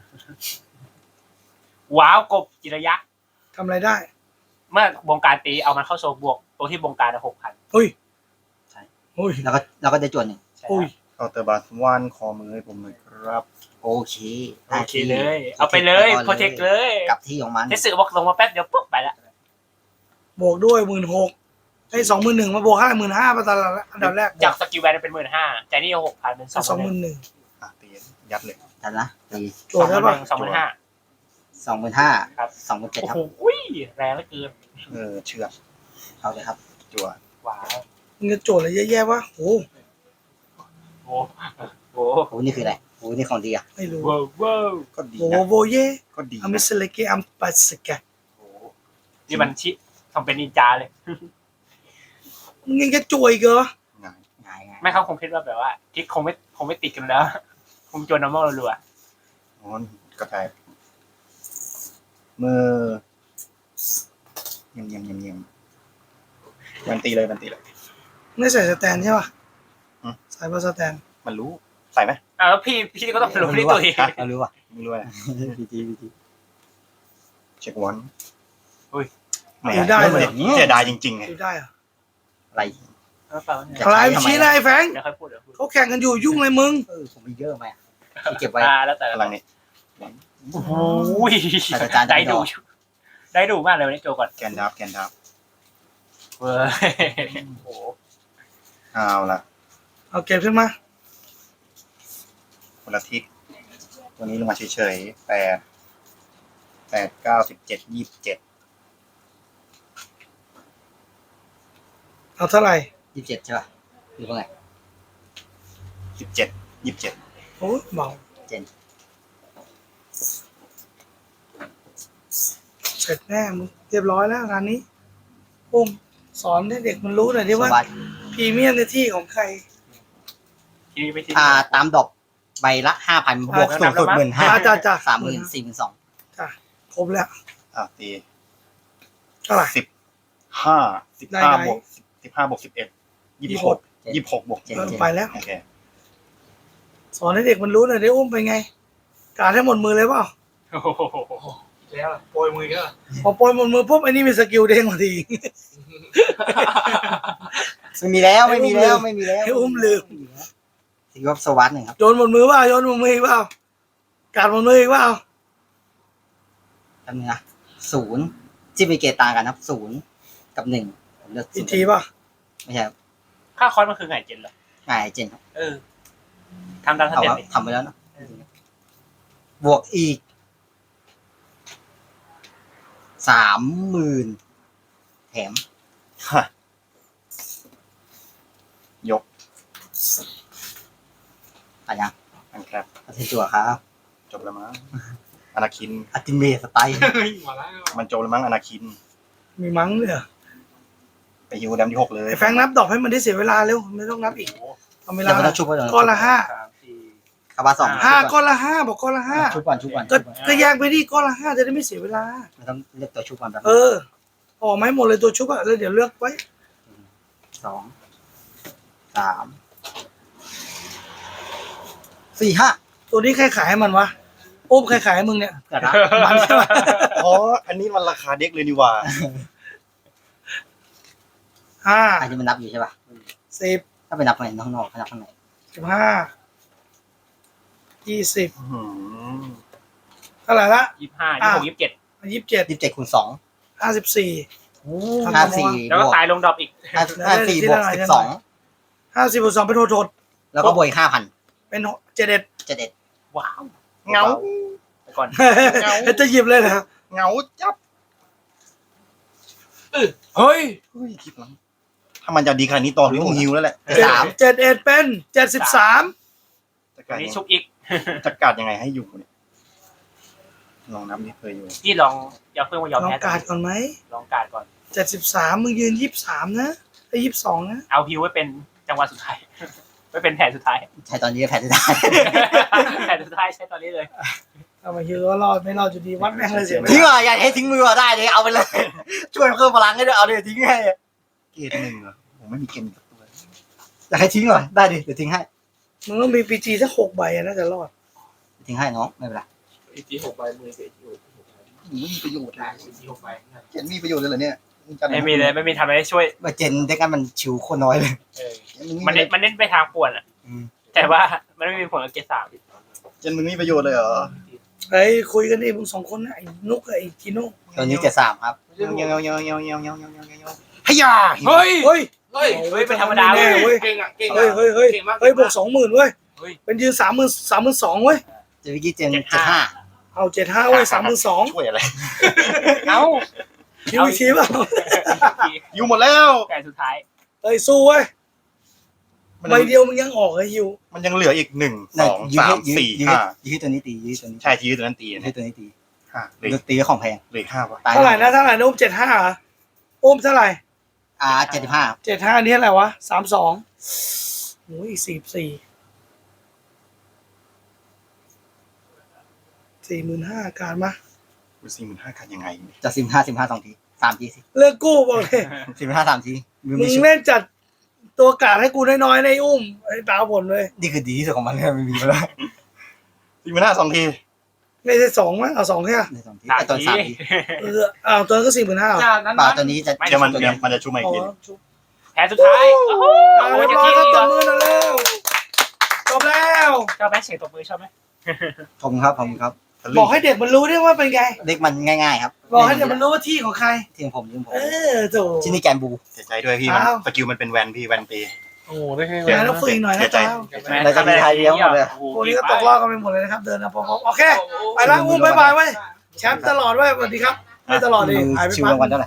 S3: ว้าวกบจิระยะ
S1: ทำอะไรได้
S3: เมื่อบงการตีเอามันเข้าโซบวกตัวที่บงการหกพัน
S1: เฮ้ย
S4: ใช่
S1: เฮ้ย
S4: แล้วก็แล้วก็ได้จวนหนึ่ง
S1: โอ้ย
S2: เคาน์เตอร์บาสวันคอมือให้ผมหน่อยครับ
S4: โอเค
S3: โอเคเลย เอาไปเลยโปรเทคเลย
S4: กลับที่ของมัน
S3: เทสสึบอกลงมาแป๊บเดียวปุ๊บไปละ
S1: บวกด้วยหมื่นหกไอ้สองหมื่นหนึ่งมาบวกห้าหมื่นห้ามาตอนอันดับแรก
S3: จากสกิลแวนเป็นหมื่นห้าใจนี่หกพันเป็นส
S1: ส
S3: อ
S1: อง ง
S3: ห
S1: ห
S3: มื่
S1: มื่
S3: น
S1: นหนึ่ง
S2: อ่ะตียัดเลย
S4: ทันนะตี
S1: โจทย์ได้ปะ
S3: สองหมื่นห้า
S4: สองหมื่นห้า
S3: ครับ
S4: สองหมื่นเจ็ด
S3: โอ้
S4: ครับ
S3: โหแรงเหลือเกิน
S2: เออเชือก
S4: เอาเลยครับ
S2: จัว
S3: ว้าว
S1: มึงจะโจทย์อะไรเยอะแยะวะโอ้
S3: โอ้โห
S4: โอ้นี่คืออะไรโอ้นี่ของดีอ่ะ
S1: ไม่รู้
S3: ว้าวว้าว
S2: ก็ดี
S1: โว
S2: นะ
S1: โวเย่
S2: ก็ดี
S1: อเม
S2: นะ
S1: สเลเกอัมปัสกะ
S3: โอ้โหนี่มันชิทำเป็นนินจาเลย
S1: มึงยังจะจ่วยอีกเหรอ
S2: หงาย
S4: ง่ายง่าย
S3: ไม่เขาคงคิดว่าแบบว่าทิกคงไม่คงไม่ติดกันแล้ว คงจนน้ำมันรัว
S2: อ๋อกระจายมือเยี่ยมเยี่ยมเยี่ยมเยี่ยมมันตีเลยมันตีเลย
S1: ไม่ใส่สแตนใช่ป่ะ
S2: อืม
S1: ใส่บาสแตน
S2: มันรู้ใส่ไหม
S3: ๆอ่ะแล้วพี่พี่ก็ต้องรู้ที่ตัวเอง
S4: เรารู้ว่ะ
S2: ไม่รู้อะ
S4: พีจีพีจี
S2: เช็ควัน
S3: อุ้ย
S2: ไม่ได้เลยเสียดายจริงๆไง
S1: ดูได้เหรอ
S4: อะไร
S3: เอาเปล่าเนี่ย
S4: จะ
S1: อะไร
S4: ใช้ทำไม
S1: ชี้อะไรแฟง
S3: เดี๋ยวค่อยพูดเดี๋ยวพูด
S1: เขาแข่งกันอยู่ยุ่งเลยมึง
S4: เออผมมีเยอะไหมอ่ะที่เก็บไว้
S3: อ่าแล้วแต่
S2: พลังนี้
S3: โอ้โห
S4: แต่อาจารย์จะ
S3: ได้
S4: ไม่
S3: ดู
S4: ดอก
S3: ได้ดูมากเลยวันนี้โจก่อน
S2: แกนดับแกนดับ
S3: เว้ยโอ้โห
S2: เอาละ
S1: เอาเก็บขึ้นมา
S2: คนละทิศตัวนี้ลงมาเฉยๆแปดแปดเก้าสิบเจ็ดยี่สิบเจ็ด
S1: เอาเท่าไหร่
S4: ยี่สิบเจ็ดใช่ป่ะหรือว่าไง
S2: สิบเจ็ดยี่สิบเจ็ด
S1: โอ้ยเบา
S4: เจน
S1: เสร็จแน่มึงเรียบร้อยแล้วงานนี้อุ้มสอนให้เด็กมันรู้หน่อยดิ
S4: ส
S1: ว่า
S4: วัสด
S1: พรีเมียมในที่ของใคร
S3: ทีนี้ไม่ที
S4: อ่าตามดอกใบละห้าพันบวกสูงสุดหมื่นห้า
S1: จ้าจ้าจ้า
S4: สามหมื่นสี่หมื่นสอง
S1: จ้าครบแล้ว
S2: อ่ะตี
S1: เท่าไหร่
S2: สิบห้าสิบ
S1: ได้
S2: ห้า
S1: ได้
S2: บวกสิบห้าบวกสิบเอ็ดยี่สิบหกยี่สิบหกบวก
S4: เจน
S1: เริ่ม
S4: เจน
S1: ไปแล้ว
S2: โอเค
S1: สอนให้เด็กมันรู้หน่อยดิอุ้มเป็นไง การให้หมดมือเลยเปล่า
S3: โอ้โห
S5: แล้วโปรยมือก็
S1: พอปล่อยหมดมือปุ๊บไอ้นี่มีสกิลเด้งมาที
S4: ไม่มีแล้วไม่มีแล้วไม่มีแล้ว
S1: ให้อุ้มลืม
S4: ถือว่าสวัสดหนึ่งครับ
S1: โยนหมดมือเปล่าโยนหมดมืออีกเปล่าการหมดมืออีกเปล่า
S4: จำเนื้อศูนย์ที่มีเกตต่างกันครับศูนย์กับหนึ่งผมเลือก
S1: อี
S4: ศู
S1: ก
S4: นย์
S1: ทีป่ะ
S4: ไม่ใช่ครับ
S3: ค่าคอร์สมันคือไงเจนเหรอ
S4: ง่ายเจนครับ
S3: เออทำตามส
S4: เอา
S3: เต็ป
S4: ว่า
S3: ดิ
S4: ทำไปแล้วเนอะบวกอีกสามหมื่นแถม
S2: ฮะยก
S4: อะไรยัง
S2: อันครับ
S4: อัติจั่วครับ
S2: จบแล้วมั้งอนาคิน
S4: อัติเมสไตล์
S5: มาแล้ว
S2: มันจบแล้วมั้งอนาคิน
S1: มีมั้งเนี่ย
S2: ไปฮิวแดมที่หกเลย
S1: ไอ้แฟงนับดอกให้มันได้เสียเวลาเร็วไม่ต้องนับอีกทำเวลา
S4: เดี๋ยวมันต้องชุบก่อน
S1: ก้อนละห้า
S3: สามสี่
S4: คาบาสอง
S1: ห้า
S4: ชุบ
S1: ก้อนละห้าบอกก้อนละห้า
S4: ชุบก่อนชุบก่อน
S1: ก็
S4: ชุบก่อน
S1: ก็แยกไปดิก้อนละห้าจะได้ไม่เสียเวลา
S4: มันต้องเลือกตัวชุบก่อนแบบ
S1: เออออกไหมาให้หมดเลยตัวชุบอะแล้วเดี๋ยวเลือกไว้
S4: สองสามสี่ห้า
S1: ตัวนี้ใครขายให้มันวะอุ้มใครขายให้มึงเนี่ย
S4: กระดาษ
S1: มันใช่ไหม
S2: อ๋ออันนี้มันราคาเด็กเลยนี่หว่า
S1: ห้า
S4: อันนี้มันนับอยู่ใช่ป่ะ
S1: สิบ
S4: ถ้าไปนับข้างในข้างนอกไปนับข้างใน
S1: สิบห้ายี่สิบ
S2: อื้อหือ
S1: เท่าไหร่ละ
S3: ยี่สิบห้ายี่สิบหกยี่สิบเจ็ด
S1: ยี่สิบเจ็ด
S4: ยี่สิบเจ็ดคูณสอง
S1: ห้าสิบสี่
S4: ห้าสี่
S3: แล้ว
S4: บ
S3: ก็
S4: วก
S3: ตายลงดรอปอีก
S4: ห้าห้าสี่บวกสิบสอง
S1: ห้าสิบบวกสองเป็นโทษโทษ
S4: แล้วก็บวกอีกห้าพัน
S1: เป็นเจ็ดเอ็ด
S4: เจ็ดเอ็ด
S3: ว้าว
S2: เหงา
S3: ไปก่อน
S1: จะหยิบเลยนะ
S2: เหงาจับ
S3: เฮ้ย
S2: เฮ้ยคิดแล้วถ้ามันจะดีขนาดนี้ตอนนี้ต้องฮิวแล้วแหละ
S1: เจ็ดเจ็ดเอ็ดเป็นเจ็ดสิบสาม
S2: จะ
S3: อั
S2: กาน ร
S3: นี้ชุบอีก
S2: จะการยังไงให้อยู่เนี่ยลองนับนี่เคยอยู่
S3: พี่ลองอย่าเพิ่งมายอม
S1: ลอง
S3: แพ้
S1: การดก่อนไหม
S3: ลองการดก่อน
S1: เจ็ดสิบสามมึงยืนยี่สิบสามนะไอ้ยี่สิบสองนะ
S3: เอาฮิวไว้เป็นจังหวะสุดท้าย ไว้เป็นแผนสุดท้าย
S4: ใช้ตอนนี้ก็แพ้ได้
S3: แผนสุดท้ายใช้ตอนนี้เลย
S1: เอามาฮิวก็รอดไม่รอดอยู่ดีวัดแม่งเลยเสีย
S4: ทิ้งอ่ะอย่าให้ทิ้งมือได้เลยเอาไปเลย ช่วยเพิ่มพลังให้ด้วยเอาเลยทิ้งให้
S2: เกรดหนึ่งเหรอผมไม่มีเกรดสักตัว
S4: อยากให้ทิ้งหน่อยได้ดิเดี๋ยวทิ้งให้
S1: มึงต้องมีปีจีสักหกใบอะน่าจะรอด
S4: ทิ้งให้น้องไม่เป็นไร
S5: อีจีหกใบมือเสียจีหก
S2: ไม่มีประโยชน์
S5: ได้อีจีหกใบ
S2: เกรดมีประโยชน์เลยเหรอเนี่ยงจะ
S3: ไม่มีเลยไม่มีทำอะไรให้ช่วย
S4: ว่าเจนได้กันมันชิวโคตรน้อยเลย
S3: เออ
S2: เกรดมึง
S3: มันเน้นมันเน้นไปทางป่วนอ่ะ
S4: อืม
S3: แต่ว่ามันไม่มีผลกับเกรดสาม
S2: เกรดมึงมีประโยชน์เลยเหรอ
S1: ไอ้ยคุยกันดิมึงสองคนนะไอ้นุกกับไอ้จีโน่
S4: ตอนนี้เจ็ดสามครับ
S2: เงี้ยวเงี้ยวเงี้ยวเงี้ยวเงี้ยวเงี้ยวเงี้ยวเงี้ยวเงี้ยวพยา
S3: เฮ้ย
S1: เฮ้ย
S5: เฮ้ย
S3: เฮ้ยเป็นธรรมดา
S1: แน่
S3: เว้ย
S1: เว้ย
S5: เก่งอ่ะเก่ง
S1: เฮ้ยเฮ้ยเฮ้ย
S5: เก่งมาก
S1: เฮ้ยบวกสองหมื่นเว้ย
S3: เฮ้ย
S1: เป็นยืนสามหมื่นสามหมื่นสองเว้ย
S4: เจวิกี้เจน
S3: เจ็
S4: เจ็
S3: ด
S4: ด
S3: ห้า
S4: ห้า
S1: เอาเจ็ดห้าเว้ยสามหมื่นสอง
S2: ช่วยอะไร
S3: เอ้า
S1: คิวอีกทีเปล่า
S2: อยู่หมดแล้ว
S3: แผนสุดท้าย
S1: เฮ้ยสู้เว้ย
S2: มัน
S1: ใบเดียวมึงยังออกไอ้ฮิว
S2: มันยังเหลืออีกหนึ่งสอง
S4: ยืด
S2: สา
S4: ให้
S2: ม
S4: ยืด
S2: สี่
S4: ยืด
S2: ห้า
S4: ยืดตัวนี้ตียืดตัวนี้
S2: ใช่ทีตัวนั้นตี
S4: ยื
S2: นะ
S4: ดตัวนี้ตี
S2: ห้าเหลือ
S4: ยืดตีก็ของแพง
S2: เหลือห้าป่ะ
S4: ตาย
S1: เท่าไหร่นะเท่าไหร่นะอุ้มเจ็ดห้าเหรออุ้มเท่าไหร่
S4: อ่าเจ็ดสิบห้า
S1: เจ็ดห้านี่อะไรวะสามสองโอ้ยสี่สี่สี่หมื่นห้าการมา
S2: สี่หมื่นห้าขาดยังไง
S4: จากสิบห้าสิบห้าสองทีสามทีสิ
S1: เลิกกู้บอกเลย
S4: สิบห้าสามทีมือ
S1: มึ
S4: มี
S1: ง
S4: ชุด
S1: เล่นจัดตัวกาดให้กูน้อยๆในอุ้มไอ้ตาผลเลย
S4: นี่คือดีที่สุดของมันเลยไม่มีมาแล้ว
S2: สี่หมื่นห้าสองที
S1: ไม่ใช่สองมั้ยเอาสองแค่
S4: ในสองที
S3: สาม
S4: ไอตอน
S3: ที
S4: สามที
S1: เออเอาตัวนั้นก็สี่หมื่นห้า
S5: จากนั้น
S4: เปล่าตัวนี้จะ
S2: เดี๋ยวมันเดี๋ยวมันจะชุบมาอี
S1: อ๋
S2: ก
S1: อ
S2: ที
S3: แผนสุดท้ายโอ้โห
S1: เอาเรียบร้อยครับตบมือหน่อยเร็วจบแล้ว
S3: ชอบไหมเสียงตบมือชอบไหม
S4: ผมครับผมครับ
S1: บอกให้เด็กมันรู้ด้วยว่าเป็นไง
S4: เด็กมันง่ายๆครับ
S1: บอกให้เด็กมันรู้ว่าที่ของใคร
S4: ทีมผมทีมผม
S1: เออโถ
S4: ที่นี่แกนบู
S2: เสียใจด้วยพี่มัน
S1: อ้าว
S2: สกิลมันเป็นแวนพี่แวนตี
S5: โอ้โหได้แค่
S1: เดี๋ยวเราฝึกอีกหน่อยนะเจ้า
S4: แล้วจะมีไทยเลี้ยงหมดเลย
S1: พวกนี้ก็ตกรอบกันไปหมดเลยนะครับ เดินนะพอๆโอเค ไปแล้วอุ้มบายบายเว้ยแชมป์ตลอดเว้ยสวัสดีครับ ไม่ตลอดดิหายไป
S4: ชิว
S1: พัก
S4: รางวัลเท่าไหร่